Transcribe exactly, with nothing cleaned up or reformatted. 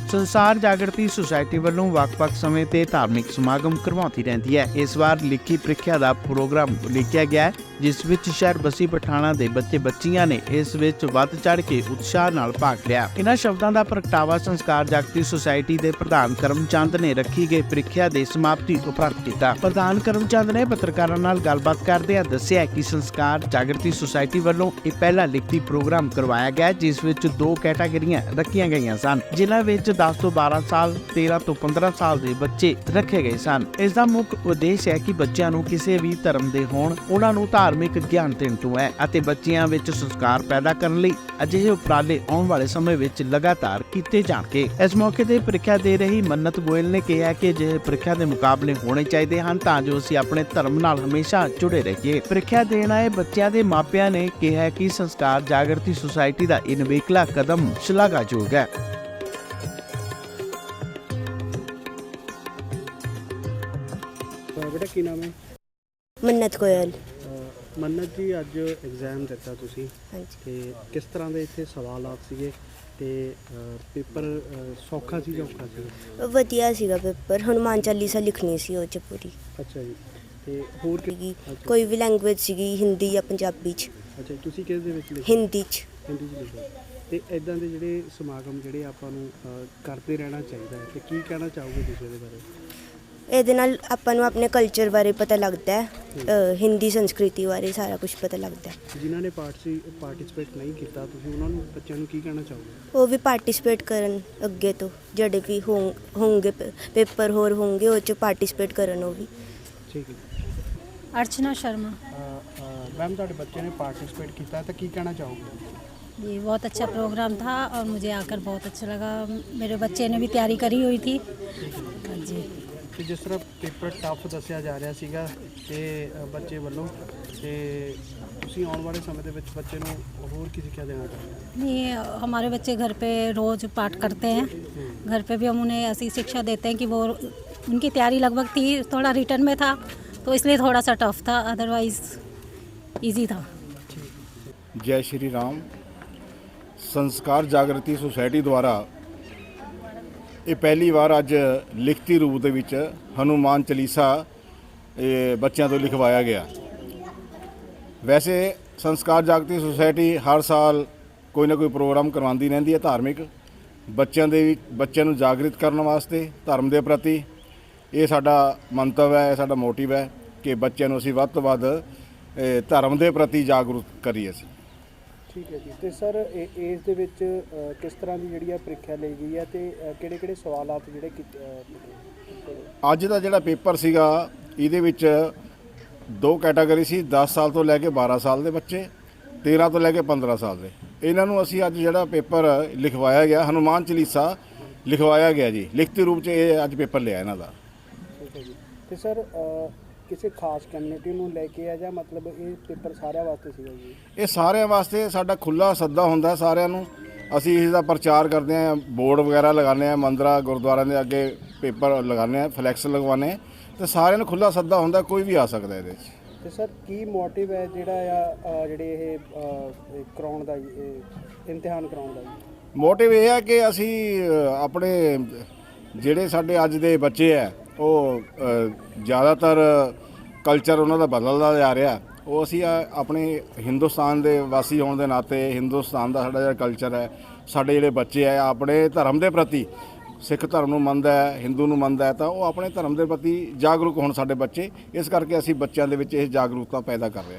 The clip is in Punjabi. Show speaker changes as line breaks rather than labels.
ਸੰਸਾਰ ਜਾਗਰਤੀ ਸੁਸਾਇਟੀ ਵੱਲੋਂ ਵੱਖ-ਵੱਖ ਸਮੇਂ ਤੇ ਧਾਰਮਿਕ ਸਮਾਗਮ ਕਰਵਾਉਂਦੀ ਰਹਿੰਦੀ ਹੈ। ਇਸ ਵਾਰ ਲਿਖੀ ਪ੍ਰੀਖਿਆ ਦਾ ਪ੍ਰੋਗਰਾਮ ਲਿਖਿਆ ਗਿਆ ਹੈ, ਜਿਸ ਵਿੱਚ ਸ਼ਹਿਰ ਬਸੀ ਪਠਾਣਾ ਦੇ ਬੱਚੇ ਬੱਚੀਆਂ ਨੇ ਇਸ ਵਿੱਚ ਵੱਧ ਚੜ੍ਹ ਕੇ ਉਤਸ਼ਾਹ ਨਾਲ ਭਾਗ ਲਿਆ। ਇਹਨਾਂ ਸ਼ਬਦਾਂ ਦਾ ਪ੍ਰਗਟਾਵਾ ਸੰਸਕਾਰ ਜਾਗਰਤੀ ਸੁਸਾਇਟੀ ਦੇ ਪ੍ਰਧਾਨ ਕਰਮਚੰਦ ਨੇ ਰੱਖੀ ਗਈ ਪ੍ਰੀਖਿਆ ਦੇ ਸਮਾਪਤੀ ਉਪਰੰਤ ਕੀਤਾ। ਪ੍ਰਧਾਨ ਕਰਮਚੰਦ ਨੇ ਪੱਤਰਕਾਰਾਂ ਨਾਲ ਗੱਲਬਾਤ ਕਰਦਿਆਂ ਦੱਸਿਆ ਕਿ ਸੰਸਕਾਰ ਜਾਗਰਤੀ ਸੁਸਾਇਟੀ ਵੱਲੋਂ ਇਹ ਪਹਿਲਾ ਲਿਖਤੀ ਪ੍ਰੋਗਰਾਮ ਕਰਵਾਇਆ ਗਿਆ, ਜਿਸ ਵਿੱਚ ਦੋ ਕੈਟਾਗਰੀਆਂ ਰੱਖੀਆਂ ਗਈਆਂ ਸਨ, ਜਿਨ੍ਹਾਂ ਵਿੱਚ ਦਸ ਤੋਂ ਬਾਰਾਂ ਸਾਲ, ਤੇਰਾਂ ਤੋਂ ਪੰਦਰਾਂ ਸਾਲ ਦੇ ਬੱਚੇ ਰੱਖੇ ਗਏ ਸਨ। ਇਸ ਦਾ ਮੁੱਖ ਉਦੇਸ਼ ਹੈ ਕਿ ਬੱਚਿਆਂ ਨੂੰ ਕਿਸੇ ਵੀ ਧਰਮ ਦੇ ਹੋਣ, ਉਹਨਾਂ ਨੂੰ ਧਾਰਮਿਕ ਗਿਆਨ ਦੇਣ ਤੋਂ ਹੈ ਅਤੇ ਬੱਚਿਆਂ ਵਿੱਚ ਸੰਸਕਾਰ ਪੈਦਾ ਕਰਨ ਲਈ ਅਜਿਹੇ ਉਪਰਾਲੇ ਆਉਣ ਵਾਲੇ ਸਮੇਂ ਵਿੱਚ ਲਗਾਤਾਰ ਕੀਤੇ ਜਾਣਗੇ। ਇਸ ਮੌਕੇ ਤੇ ਪ੍ਰੀਖਿਆ ਦੇ ਰਹੀ ਮੰਨਤ ਗੋਇਲ ਨੇ ਕਿਹਾ ਕਿ ਅਜਿਹੇ ਪ੍ਰੀਖਿਆ ਦੇ ਮੁਕਾਬਲੇ ਹੋਣੇ ਚਾਹੀਦੇ ਹਨ ਤਾਂ ਜੋ ਅਸੀਂ ਆਪਣੇ ਧਰਮ ਨਾਲ ਹਮੇਸ਼ਾ ਜੁੜੇ ਰਹੀਏ। ਪ੍ਰੀਖਿਆ ਦੇਣ ਆਏ ਬੱਚਿਆਂ ਦੇ ਮਾਪਿਆਂ ਨੇ ਕਿਹਾ ਕਿ ਸੰਸਕਾਰ ਜਾਗਰਤੀ ਸੁਸਾਇਟੀ ਦਾ ਇਹ ਨਿਵੇਕਲਾ ਕਦਮ ਸ਼ਲਾਘਾਯੋਗ ਹੈ।
बेटा की नाम है?
ਮੰਨਤ ਗੋਇਲ।
ਮੰਨਤ ਜੀ, ਅੱਜ ਐਗਜ਼ਾਮ ਦਿੱਤਾ ਤੁਸੀਂ
ਹਾਂਜੀ।
ਤੇ ਕਿਸ ਤਰ੍ਹਾਂ ਦੇ ਇੱਥੇ ਸਵਾਲਾਤ ਸੀਗੇ ਤੇ ਪੇਪਰ ਸੌਖਾ ਸੀ ਜਾਂ ਔਖਾ ਸੀ?
ਵਧੀਆ ਸੀਗਾ ਪੇਪਰ। ਹਨੂੰਮਾਨ ਚਾਲੀਸਾ ਲਿਖਣੀ ਸੀ ਉਹ 'ਚ ਪੂਰੀ।
ਅੱਛਾ ਜੀ। ਤੇ ਹੋਰ ਕਿ-
ਸੀਗੀ
ਅੱਛਾ।
ਕੋਈ ਵੀ ਲੈਂਗੁਏਜ ਸੀਗੀ, ਹਿੰਦੀ ਜਾਂ ਪੰਜਾਬੀ 'ਚ।
ਅੱਛਾ, ਤੁਸੀਂ ਕਿਸ ਦੇ ਵਿੱਚ ਲਿਖਿਆ?
ਹਿੰਦੀ 'ਚ।
ਹਿੰਦੀ 'ਚ ਲਿਖਿਆ। ਤੇ ਇਦਾਂ ਦੇ ਜਿਹੜੇ ਸਮਾਗਮ ਜਿਹੜੇ ਆਪਾਂ ਨੂੰ ਅ, ਕਰਦੇ ਰਹਿਣਾ ਚਾਹੀਦਾ ਹੈ, ਤੇ ਕੀ ਕਹਿਣਾ ਚਾਹੋਗੇ ਤੁਸੀਂ ਇਹਦੇ ਬਾਰੇ?
ਇਹਦੇ ਨਾਲ ਆਪਾਂ ਨੂੰ ਆਪਣੇ ਕਲਚਰ ਬਾਰੇ ਪਤਾ ਲੱਗਦਾ ਹੈ, ਅ, ਹਿੰਦੀ ਸੰਸਕ੍ਰਿਤੀ ਬਾਰੇ ਸਾਰਾ ਕੁਝ ਪਤਾ ਲੱਗਦਾ ਹੈ।
ਜਿਨ੍ਹਾਂ ਨੇ ਪਾਰਟਿਸੀ ਪਾਰਟਿਸਿਪੇਟ ਨਹੀਂ ਕੀਤਾ, ਤੁਸੀਂ ਉਹਨਾਂ ਨੂੰ ਬੱਚਿਆਂ ਨੂੰ ਕੀ ਕਹਿਣਾ ਚਾਹੋਗੇ?
ਉਹ ਵੀ ਪਾਰਟਿਸਿਪੇਟ ਕਰਨ ਅੱਗੇ ਤੋਂ, ਜਿਹੜੇ ਵੀ ਹੋਂ- ਹੋਣਗੇ ਪੇਪਰ ਹੋਰ ਹੋਣਗੇ ਉਹ 'ਚ ਪਾਰਟਿਸਿਪੇਟ ਕਰਨ ਉਹ ਵੀ।
ਠੀਕ ਹੈ।
अर्चना शर्मा।
ਮੈਮ, ਤੁਹਾਡੇ ਬੱਚੇ ਨੇ ਪਾਰਟਿਸਿਪੇਟ ਕੀਤਾ ਤਾਂ ਕੀ ਕਹਿਣਾ ਚਾਹੋਗੇ?
ये बहुत अच्छा प्रोग्राम था और मुझे आकर बहुत अच्छा लगा। मेरे बच्चे ने भी तैयारी करी हुई थी। हाँ जी।
ਕਿ ਜਿਸ ਤਰ੍ਹਾਂ ਪੇਪਰ ਟਫ ਦੱਸਿਆ ਜਾ ਰਿਹਾ ਸੀਗਾ ਤੇ ਅ, ਬੱਚੇ ਵੱਲੋਂ, ਤੇ ਤੁਸੀਂ ਆਉਣ ਵਾਲੇ ਸਮੇਂ ਦੇ ਵਿੱਚ ਬੱਚੇ ਨੂੰ ਹੋਰ ਕੀ ਸਿੱਖਿਆ ਦੇਣਾ ਚਾਹੁੰਦੇ ਹੋ?
नहीं, हमारे बच्चे घर पे रोज़ पाठ करते हैं। घर पे भी हम उन्हें ऐसी शिक्षा देते हैं कि वो, उनकी तैयारी लगभग थी, थोड़ा रिटर्न में था तो इसलिए थोड़ा सा टफ था, अदरवाइज़ ईजी था।
जय श्री राम। ਸੰਸਕਾਰ ਜਾਗਰਤੀ ਸੁਸਾਇਟੀ ਦੁਆਰਾ ਇਹ ਪਹਿਲੀ ਵਾਰ ਅੱਜ ਲਿਖਤੀ ਰੂਪ ਦੇ ਵਿੱਚ ਹਨੂੰਮਾਨ ਚਾਲੀਸਾ ਇਹ ਬੱਚਿਆਂ ਤੋਂ ਲਿਖਵਾਇਆ ਗਿਆ। ਵੈਸੇ ਸੰਸਕਾਰ ਜਾਗਰਤੀ ਸੁਸਾਇਟੀ ਹਰ ਸਾਲ ਕੋਈ ਨਾ ਕੋਈ ਪ੍ਰੋਗਰਾਮ ਕਰਵਾਉਂਦੀ ਰਹਿੰਦੀ ਹੈ ਧਾਰਮਿਕ, ਬੱਚਿਆਂ ਦੇ ਵੀ ਬੱਚਿਆਂ ਨੂੰ ਜਾਗਰਿਤ ਕਰਨ ਵਾਸਤੇ ਧਰਮ ਦੇ ਪ੍ਰਤੀ। ਇਹ ਸਾਡਾ ਮੰਤਵ ਹੈ, ਇਹ ਸਾਡਾ ਮੋਟਿਵ ਹੈ ਕਿ ਬੱਚਿਆਂ ਨੂੰ ਅਸੀਂ ਵੱਧ ਤੋਂ ਵੱਧ ਇਹ ਧਰਮ ਦੇ ਪ੍ਰਤੀ ਜਾਗਰੂਕ ਕਰੀਏ ਅਸੀਂ।
ਠੀਕ ਹੈ ਜੀ। ਤੇ ਸਰ ਇਸ ਦੇ ਵਿੱਚ ਅ, ਕਿਸ ਤਰ੍ਹਾਂ ਦੀ ਜਿਹੜੀ ਆ ਪ੍ਰੀਖਿਆ ਲਈ ਗਈ ਹੈ ਤੇ ਕਿਹੜੇ ਕਿਹੜੇ ਸਵਾਲਾਤ ਜਿਹੜੇ ਕੀਤੇ? ਅ,
ਅੱਜ ਦਾ ਜਿਹੜਾ ਪੇਪਰ ਸੀਗਾ ਇਹਦੇ ਵਿੱਚ ਦੋ ਕੈਟਾਗਰੀ ਸੀ, ਦਸ ਸਾਲ ਤੋਂ ਲੈ ਕੇ ਬਾਰਾਂ ਸਾਲ ਦੇ ਬੱਚੇ, ਤੇਰਾਂ ਤੋਂ ਲੈ ਕੇ ਪੰਦਰਾਂ ਸਾਲ ਦੇ। ਇਹਨਾਂ ਨੂੰ ਅਸੀਂ ਅੱਜ ਜਿਹੜਾ ਪੇਪਰ ਲਿਖਵਾਇਆ ਗਿਆ, ਹਨੂੰਮਾਨ ਚਾਲੀਸਾ ਲਿਖਵਾਇਆ ਗਿਆ ਜੀ, ਲਿਖਤੀ ਰੂਪ 'ਚ ਇਹ ਅੱਜ ਪੇਪਰ ਲਿਆ ਇਹਨਾਂ ਦਾ।
ਠੀਕ ਹੈ ਜੀ। ਤੇ ਸਰ ਅ, ਕਿਸੇ ਖਾਸ ਕਮਿਊਨਿਟੀ ਨੂੰ ਲੈ ਕੇ ਆ ਜਾਂ ਮਤਲਬ ਇਹ ਪੇਪਰ ਸਾਰਿਆਂ ਵਾਸਤੇ ਸੀਗਾ ਜੀ?
ਇਹ ਸਾਰਿਆਂ ਵਾਸਤੇ ਸਾਡਾ ਖੁੱਲ੍ਹਾ ਸੱਦਾ ਹੁੰਦਾ ਸਾਰਿਆਂ ਨੂੰ। ਅਸੀਂ ਇਸ ਦਾ ਪ੍ਰਚਾਰ ਕਰਦੇ ਹਾਂ, ਬੋਰਡ ਵਗੈਰਾ ਲਗਾਉਂਦੇ ਹਾਂ, ਮੰਦਰਾਂ ਗੁਰਦੁਆਰਿਆਂ ਦੇ ਅੱਗੇ ਪੇਪਰ ਲਗਾਉਂਦੇ ਹਾਂ, ਫਲੈਕਸ ਲਗਵਾਉਂਦੇ ਹਾਂ, ਅਤੇ ਸਾਰਿਆਂ ਨੂੰ ਖੁੱਲ੍ਹਾ ਸੱਦਾ ਹੁੰਦਾ, ਕੋਈ ਵੀ ਆ ਸਕਦਾ ਇਹਦੇ 'ਚ।
ਤੇ ਸਰ ਕੀ ਮੋਟਿਵ ਹੈ ਜਿਹੜਾ ਆ ਜਿਹੜੇ ਇਹ ਕਰਾਉਣ ਦਾ, ਇਹ ਇਮਤਿਹਾਨ ਕਰਾਉਣ ਦਾ ਜੀ?
ਮੋਟਿਵ ਇਹ ਹੈ ਕਿ ਅਸੀਂ ਅ, ਆਪਣੇ ਜਿਹੜੇ ਸਾਡੇ ਅੱਜ ਦੇ ਬੱਚੇ ਹੈ ਉਹ ਅ, ਜ਼ਿਆਦਾਤਰ ਕਲਚਰ ਉਹਨਾਂ ਦਾ ਬਦਲਦਾ ਜਾ ਰਿਹਾ, ਉਹ ਅਸੀਂ ਆਪਣੇ ਹਿੰਦੁਸਤਾਨ ਦੇ ਵਾਸੀ ਹੋਣ ਦੇ ਨਾਤੇ, ਹਿੰਦੁਸਤਾਨ ਦਾ ਸਾਡਾ ਜਿਹੜਾ ਕਲਚਰ ਹੈ, ਸਾਡੇ ਜਿਹੜੇ ਬੱਚੇ ਹੈ ਆਪਣੇ ਧਰਮ ਦੇ ਪ੍ਰਤੀ, ਸਿੱਖ ਧਰਮ ਨੂੰ ਮੰਨਦਾ ਹੈ, ਹਿੰਦੂ ਨੂੰ ਮੰਨਦਾ ਹੈ, ਤਾਂ ਉਹ ਆਪਣੇ ਧਰਮ ਦੇ ਪ੍ਰਤੀ ਜਾਗਰੂਕ ਹੋਣ ਸਾਡੇ ਬੱਚੇ। ਇਸ ਕਰਕੇ ਅਸੀਂ ਬੱਚਿਆਂ ਦੇ ਵਿੱਚ ਇਹ ਜਾਗਰੂਕਤਾ ਪੈਦਾ ਕਰ ਰਹੇ ਹਾਂ।